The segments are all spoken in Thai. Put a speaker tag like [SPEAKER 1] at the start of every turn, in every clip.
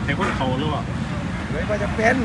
[SPEAKER 1] แต่คนเขาหรือเปล่า
[SPEAKER 2] เลยว่าจะเป็น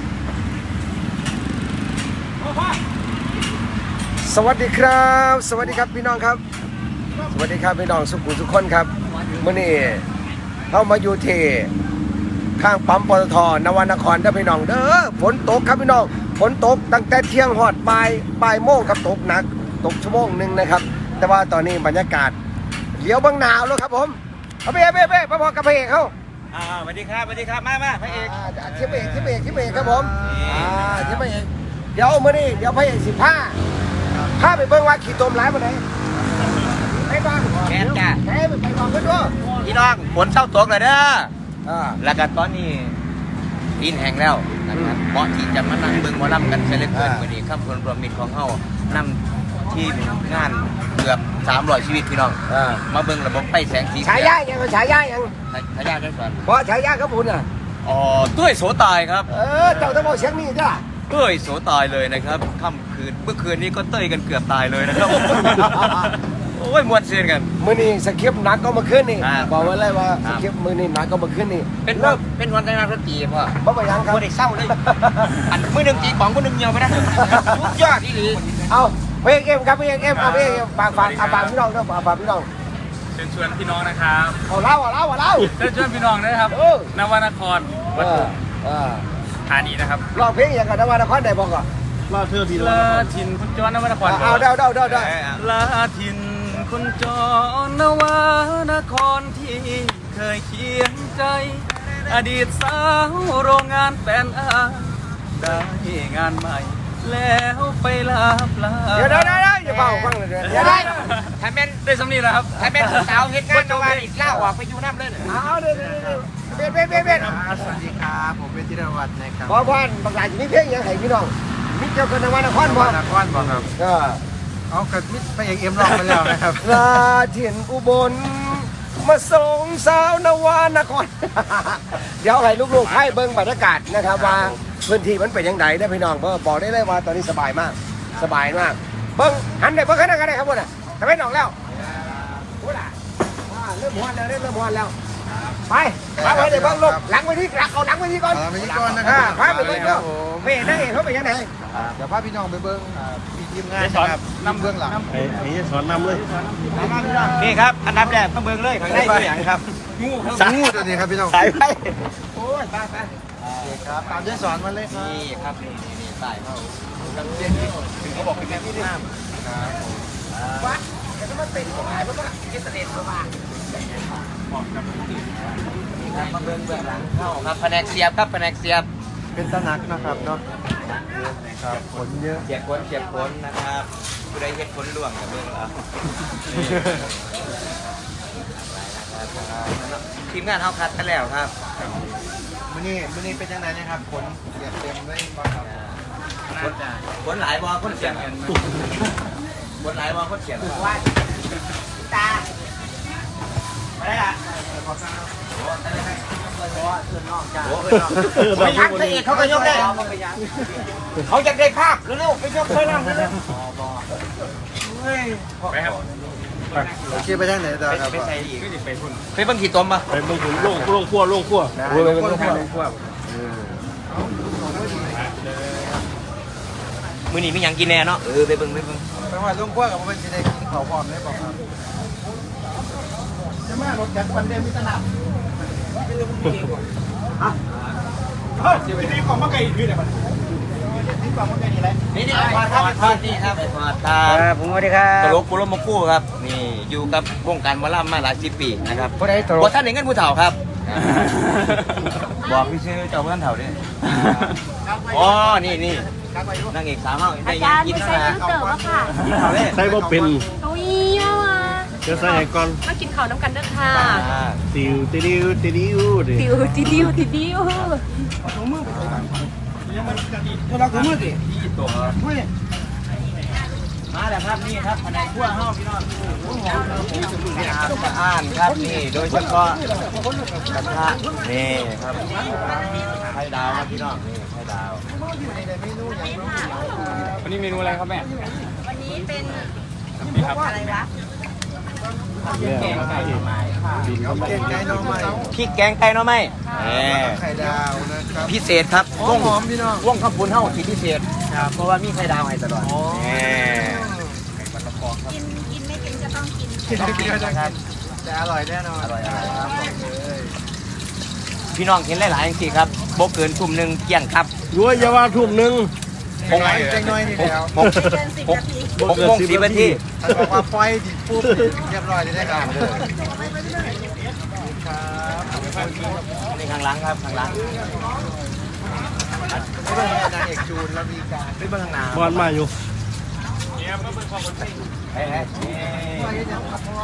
[SPEAKER 2] สวัสดีครับสวัสดีครับพี่น้องครับสวัสดีครับพี่น้องสุขุมทุกคนครับมื้อนี้เข้ามาอยู่ที่ข้างปั๊มปตท.นวนครเด้อพี่น้องเด้อฝนตกครับพี่น้องฝนตกตั้งแต่เที่ยงฮอดบ่ายโมงครับตกหนักตกชั่วโมงนึงนะครับแต่ว่าตอนนี้บรรยากาศเหลียวบางหนาวแล้วครับผมเอาเบ้มาพอกับพระเอกเขา
[SPEAKER 3] สวัสดีครับสวัสดีครับมาพระเอก
[SPEAKER 2] ทิพเอกครับผมทิพเอกเดี๋ยวมื้อนี้เดี๋ยวพระเอก15พาไปเบิ่งว่าขี้ตมหลายปานใดไปบ้าง
[SPEAKER 3] แกนจ้ะ
[SPEAKER 2] ไปบ้างเพิ่นด้วย
[SPEAKER 3] พี่น้องฝนเศร้าตกเลยเด้อแล้วก็ตอนนี้ดินแห้งแล้วนะครับเหมาะที่จะมานั่งเบิ่งหมอลำกันเสร็จเลยเกินมื้อนี้ครับผลรวมมิตรของเฮานำทีมงานเกือบ300ชีวิตพี่น้องมาเบิ่งระบบไฟแสงสี
[SPEAKER 2] ฉายายังฉายายัง
[SPEAKER 3] ฉายาได้ก่อน
[SPEAKER 2] เพราะฉายาครับคุณ
[SPEAKER 3] ตุ้ยโสตายครับ
[SPEAKER 2] เจ้าต้องบอกเสียงนี้จ้ะ
[SPEAKER 3] ตุ้ยโสตายเลยนะครับค่ำคืนเมื่อคืนนี้ก็เต้ยกันเกือบตายเลยนะครับโอ้ยมวนเสียนกัน
[SPEAKER 2] มื้อนี้สคริปต์หนักก็มาขึ้นนี่บอกไว้เลยว่าสคริปต์มื้อนี้หนักก็มาขึ้นนี่
[SPEAKER 3] เป็นวันแต่งงานดนตรีพ่อ
[SPEAKER 2] บ่ไปยังครับ
[SPEAKER 3] บ่ได้เศร้าเลยอันมื้อนึงตีของมื้อนึงเหี่ยวไปนะทุกยอดอีหลี
[SPEAKER 2] เอาเพลงเอ็มครับเพลงเอ็มเอาเพลงฝากพี่น้องนะฝากพี่น้อง
[SPEAKER 1] เชิญชวนพี่น้องนะครับ
[SPEAKER 2] เอาเล่า
[SPEAKER 1] เชิญชวนพี่น้องนะครับนวนครวัดธานีนะครับ
[SPEAKER 2] ร้องเพลงอย่างกับนวนครได้บอกก่อน
[SPEAKER 1] ลาเธอพี่ลาทินคุณจรนวนคร
[SPEAKER 2] เอาเดา
[SPEAKER 1] ลาทินคุณจรนวนครที่เคยเคียงใจอดีตสาวโรงงานแฟนอาได้งานใหม่แล้วไปลาปลา
[SPEAKER 2] เดี๋ยวอย่าเป่าฟังเลยเดี๋ยว
[SPEAKER 3] ถ้าแม่น
[SPEAKER 1] ได้สำนีแล้วครับ
[SPEAKER 3] ถ้าแม่นสาวเฮ็ดงานมาอีกเล่าออกไปอยู่น้ำเลย
[SPEAKER 2] เอาเดี๋ยวเบ็ด
[SPEAKER 4] สวัสดีครับผมเป็นธีรวัฒน์นะครับ
[SPEAKER 2] บอลบางรายจะมีเพลงยังไงพี่น้องมิเจ้ากันนวนครบ่
[SPEAKER 4] นครบ่ครับเอากระมิดไปเอกเอ็มร้องไปแล้วนะครับ
[SPEAKER 2] ลาถิ่นอุบลมาส่งสาวนวนครเดี๋ยวให้ลูกๆให้เบิ่งบรรยากาศนะครับว่าพื้นที่มันเป็นยังไงได้พี่น้องบอกได้เลยว่าตอนนี้สบายมากเบิ่งหันได้เบิ่งขนาดไหนครับพวกน่ะทำไมน้องแล้วพวกน่ะเริ่มหวนแล้วไปเดี๋ยวเบิ่งลูกหลังไปที่เอาหลังไปที่ก่อน
[SPEAKER 4] นะครับ
[SPEAKER 2] ไปเบิ่งดูเฮ้ยนั่งเองเขาเป็นยังไง
[SPEAKER 4] เดี๋ยวพาพี่น้องไปเบิ่งทีมงานนะครับนำเบื้องหลัง
[SPEAKER 1] ไอ้สอนนำเลย
[SPEAKER 3] นี่ครับอันดับแรกต้องเบิ่งเลยข้างในตัวอย่างครับ
[SPEAKER 4] งูตัวนี้ครับพี่น้อง
[SPEAKER 2] สายไป
[SPEAKER 3] โอ้ยไป
[SPEAKER 4] ครับตามที่สอนมาเลย
[SPEAKER 3] นี่ครับนี่สายเขากันเส้นถึงเขาบอกเป็นแม่พี่น้ำ
[SPEAKER 2] ครับวัดแต่ถ้ามันเป็นของหายมันก็เกษตรเข้ามา
[SPEAKER 3] มาเบิ่งหลังเข้าครับแผนกเสียบครับแผนกเสียบ
[SPEAKER 4] เป็นตะนักนะครับเนาะครับผลเยอะ
[SPEAKER 3] เสียบผลนะครับผู้ใดเฮ็ดผลล่วงกับเบิ่งแล้วทีมงานเฮาคัดกันแล้วครับ
[SPEAKER 4] มื้อนี้เป็นยังไงนะครับผลเสียบเต็มเลย
[SPEAKER 3] ผลหลายบ่คนเสียบผลหลายบ่คนเสียบ
[SPEAKER 2] ว่าตา
[SPEAKER 3] อะไรล่ะ
[SPEAKER 2] ไปยักษ์เอกเขาก็ยกได้เขาอยากได้ภาพเร็วไปยกไปนั่งเร็ว
[SPEAKER 1] ไปครับ
[SPEAKER 4] โอเคไปทางไหนต่อครับ
[SPEAKER 3] ไปเบิ่งขี่ตมป่ะ
[SPEAKER 1] ไปเบิ่งถึงโล่งขั้ว
[SPEAKER 3] มื้อนี้มีหยังกินแน่เนาะไปเบิ่ง
[SPEAKER 4] จังหวัดลุงขั้วกับผมเป็นสิได้กินข้าวพร้อมได้บ่ครับจะมารถจักรวันเดียวมีตลาด
[SPEAKER 1] ที่นี่ของมะไก่คืออะไรบ้าง
[SPEAKER 4] นี่ของมะไก่นี่แหละ
[SPEAKER 3] นี่ไปทอดนี่ครับไปทอดตา
[SPEAKER 2] ผมสวัสดีครับ
[SPEAKER 3] ตลกปุโรมคู่ครับนี่อยู่กับวงการหมอลำมาหลาย10 ปีนะครับบ่ท่านเงินผู้เฒ่าครับบอกพี่ชื่อเจ้าท่านเฒ่าดิอ๋อนี่นางเอกสาวเฮาได้ยังกินนะ
[SPEAKER 1] ใส่บ่เป็น
[SPEAKER 5] เอาอีว่ะ
[SPEAKER 1] จะใส่ให้ก่อน
[SPEAKER 5] มากินข้าวน้ำกันเด้อค่ะ
[SPEAKER 1] ติว
[SPEAKER 2] ถุงมือเราถุงมือดิ
[SPEAKER 3] มาแล้วครับนี่ครับภายในครัวเฮาพี่น้องอ่านครับนี่โดยเฉพาะกระทะนี่ครับไข่ดาวครับพี่น้องนี่ไข่ดาว
[SPEAKER 1] วันนี้เมนูอะไรครับแม่
[SPEAKER 5] วันนี้เป็น
[SPEAKER 1] นี่ครับ
[SPEAKER 5] อะไรวะ
[SPEAKER 4] เก่งไก่น้องใหม่
[SPEAKER 3] พริกแกงไก่เนาะไหม
[SPEAKER 4] ไข่ดาวนะครับ
[SPEAKER 3] พิเศษครับ
[SPEAKER 4] หอมพี่น้อง
[SPEAKER 3] วงข้าวปุ้นเฮาที่พิเศษเพราะว่ามีไข่ดาวให้ตลอด
[SPEAKER 4] กินนะครับแต่อร่อยแน่นอน
[SPEAKER 3] อร่อย
[SPEAKER 4] ครับผมเลย
[SPEAKER 3] พี่น้องเห็นหลายๆอย่างสิครับโบเกินทุ่มหนึ่งเกี่ยงครับ
[SPEAKER 2] รั้วอยาวาทุ่มหนึ่ง
[SPEAKER 4] เก่งน้อยนี่แล้ว
[SPEAKER 3] 6 โมง 10 นาที
[SPEAKER 4] ถ้าบอกว่าไฟดิบปุ๊บเรียบร้อยได้ครับเลยครับ
[SPEAKER 3] นี่ข้างหลังครับข้างหลัง
[SPEAKER 4] ไม่เป็นนางเอกจูนแล้วมีการ
[SPEAKER 3] ไปเบื้องหน้า
[SPEAKER 2] บอลมาอยู่
[SPEAKER 3] เฮ้ย
[SPEAKER 4] ไปยังครับพ่อ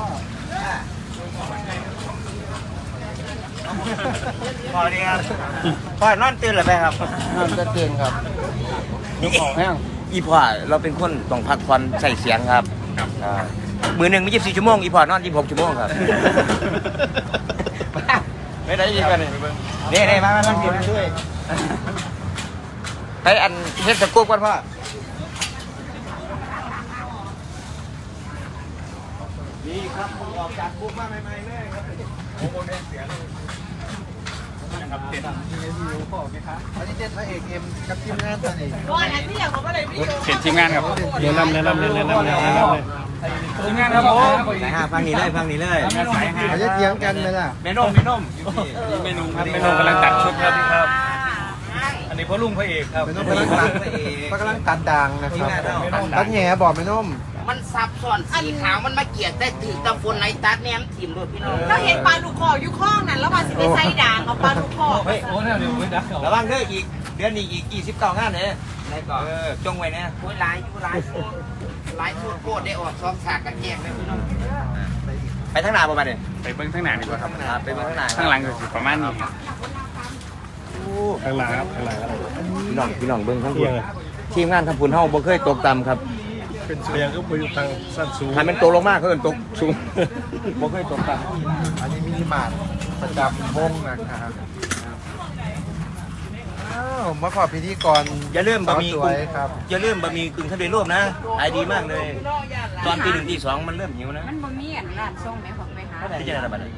[SPEAKER 3] พอดีครับพอนอนตื่นหรือไปครับ
[SPEAKER 4] นั่นจะเก่งครับ
[SPEAKER 3] นี่อีพอเราเป็นคนต้องพักผ่อนใส่เสียงครับมือหนึ่งมี24 ชั่วโมงอีพอนอน26 ชั่วโมงครับไม่ได้ยินกันนี่นี่มาช่วยไปอันเฮ็ดสกู๊ปก่อนพ่อนี่ครับผมออกจากบุ๊กมาใหม่ๆเลยครับโอ้โหเนี่ยเสียงนะครับเต็ม
[SPEAKER 4] อันนี้เด็ดพระเอกเอ็มกับทีมงานตอนนี้
[SPEAKER 1] เปลี่ยนทีมงานครับ
[SPEAKER 2] แนะนำเลย
[SPEAKER 1] ทีมงานครับผม
[SPEAKER 3] สายห้าฟังนี้เลย
[SPEAKER 1] สายห้า
[SPEAKER 4] เขาจะเถียงกันไหมล่ะ
[SPEAKER 3] เมนม
[SPEAKER 1] นี่เมนูครับเมนูกำลังตัดชุดครับอันนี้พ่อลุงพระเอกครับ
[SPEAKER 4] ไม่ต้องกำลังตัดกำลังตัดด่างนะครับตัดแหน่บอกไม่นุ่ม
[SPEAKER 6] มันซับซ้อนสีขาวมันมาเกลียดได้ถือตะฟนในตัดแนมถิ่มด้วยพี่น้อง
[SPEAKER 5] เราเห็นปลาดุกคอกอยู่ข้องนั้นแล้วมาสิไปใส่ด่างเอาปลาดุกคอก
[SPEAKER 1] เฮ้ยโอ้เนี่ยเดี๋ยวไม่ได้
[SPEAKER 3] ระวังเด้ออีกเดือนนี้อีก29 งานเนี่ย
[SPEAKER 6] ในก่อน
[SPEAKER 3] จงไว้นะ
[SPEAKER 6] โอ้ยหลายอยู่หลายชุดหลายชุดโคตรได้ออกซองฉากกันแยกเลยพี่น้อง
[SPEAKER 3] ไปทางหน้าประมาณนี้
[SPEAKER 1] ไปเบิ้งข้างหน้าดีกว่าครับ
[SPEAKER 3] ไปเบื้องหน้า
[SPEAKER 1] ข้างหลังก็สิประมาณนี้
[SPEAKER 2] ข้างหลังครับข้างหลัง
[SPEAKER 3] พี่น้องเบื้องข้างบนทีมงานทำผุนเฮาบ่เคยตกต่ำครับ
[SPEAKER 2] เป็นเสียงก็ไปอยู่ทางสั้นสูง
[SPEAKER 3] ถ้ามันตกลงมากเขาเอิ้นตกสูงบ่เคยตกต่ำ
[SPEAKER 4] อันนี้มินิมาร์ทประจำวงนะครับอ้าวมาขอพิธีกร
[SPEAKER 3] อย่าลืมบะหมี่
[SPEAKER 4] สวยครับ
[SPEAKER 3] อย่าลืมบะหมี่กึ่งทะเลรูปนะขายดีมากเลย ตอนตี 1 ตี 2มันเริ่มหิวนะ
[SPEAKER 5] มันบ่มีอันร้านส่งแม่ของไปหา
[SPEAKER 3] ที่จะได้ระบาด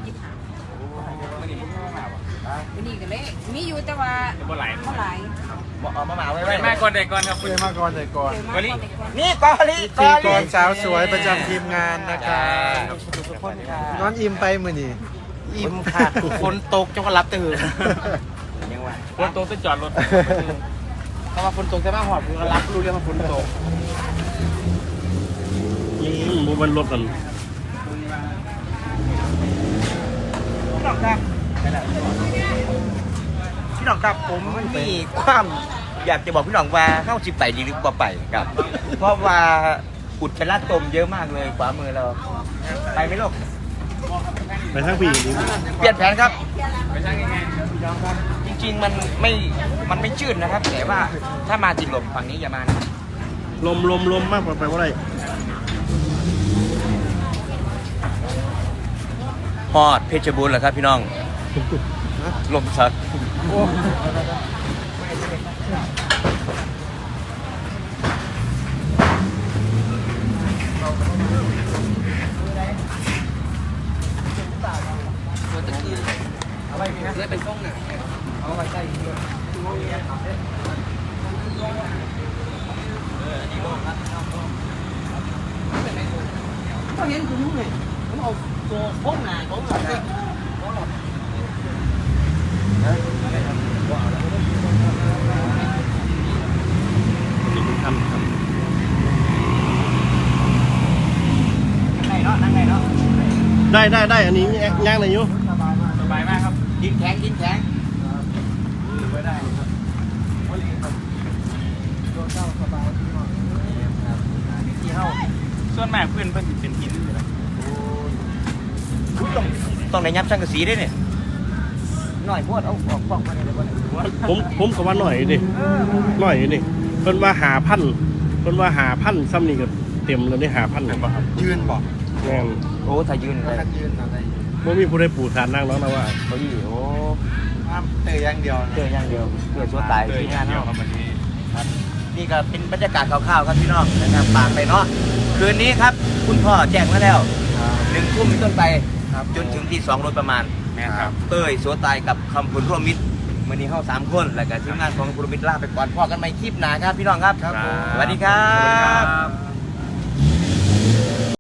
[SPEAKER 5] วันนี้ก็เลยมีอยู่แต่ว่า
[SPEAKER 1] บ่ไหล
[SPEAKER 5] เท่าไหร่
[SPEAKER 3] เอามาไว้
[SPEAKER 1] ไปมาก่อนใดก่อนครับ
[SPEAKER 4] เพื่อมาก่อนเลยก่อน
[SPEAKER 1] วันนี้
[SPEAKER 3] นี่กอลิ
[SPEAKER 4] พิธีกรสาวสวยประจำทีมงานนะครับนอนอิ่มไปมือนี่
[SPEAKER 3] อิ่มค่ะฝนตกจังก็รับตื่นยังว่า
[SPEAKER 1] คนโตจะจอดรถ
[SPEAKER 3] เขาว่าฝนตกจะมาหอดผมก็รับรู้เรื่องว่าฝนตก
[SPEAKER 2] บุบนรถกัน
[SPEAKER 3] พี่น้องครับพี่น้องครับผมมีความอยากจะบอกพี่น้องว่าเข้าสิไปดีหรือบ่ไปครับ เพราะว่าอุดเป็นลาดตมเยอะมากเลยขวามือเราไปไหมลูก
[SPEAKER 2] ไปทางพี่ดี
[SPEAKER 3] เปลี่ยนแผนครับ
[SPEAKER 1] ไปช่างยังไง
[SPEAKER 3] จริงๆมันไม่จืดนะครับ แต่ว่าถ้ามาจิตลมฝั่งนี้อย่ามานะ
[SPEAKER 2] ลมมากไปว่าไร
[SPEAKER 3] ฮอดเพชรบูรณ์เหรอครับพี่น้องลมชัก
[SPEAKER 2] ได้อันนี้ย่างอะไรอยู่
[SPEAKER 1] สบายมากครับ
[SPEAKER 3] ดินแข็งดินแข็ง
[SPEAKER 1] ส่วนมากเพื่อนสิเป็นหินอยู่แล้ว
[SPEAKER 3] ต้องในยับช่างกระสีด้วยเนี่ยหน่อยพวดเอาออกป้องมาเลยบ่เนี่ย
[SPEAKER 2] ผมก็ว่าหน่อยดิเพิ่นว่าหาพันซ้ำนี่ก็เต็มแล้วนี่หาพันเลยป่ะครับ
[SPEAKER 4] ยืนบอก
[SPEAKER 2] แม่น
[SPEAKER 3] โอ้ถ้ายืนเลย
[SPEAKER 4] ท่านยืนอะไร
[SPEAKER 2] บ่มีผู้ใดปูฐานนั่งแล้วนะว่า
[SPEAKER 3] เขาอยู่โอ้
[SPEAKER 4] ห้ามเตะอย่างเดียว
[SPEAKER 3] เจออย่างเดียวเกิดชั่วตาย
[SPEAKER 1] เจอ
[SPEAKER 3] ที่
[SPEAKER 1] อย่าง
[SPEAKER 3] งาน
[SPEAKER 1] เดียว
[SPEAKER 3] เนาะ
[SPEAKER 1] ครับวันนี้
[SPEAKER 3] นี่ก็เป็นบรรยากาศคร่าวๆครับพี่น้องนะครับฝากไปเนาะคืนนี้ครับ คุณพ่อแจ้งมาแล้ว 1 ทุ่มเป็นต้นไปจนถึงที่2โดยประมาณ
[SPEAKER 1] แม่ครับ
[SPEAKER 3] เต้ยโสตายกับคำพูนร่วมมิตรมื่อนี้เฮา3 คนแล้วก็ทีมงานของคำพูนร่วมมิตรลาไปก่อนพ่อกันใหม่คลิปหน้าครับพี่น้องครับ
[SPEAKER 1] ครับผม
[SPEAKER 3] สวัสดีครับ
[SPEAKER 1] ครับ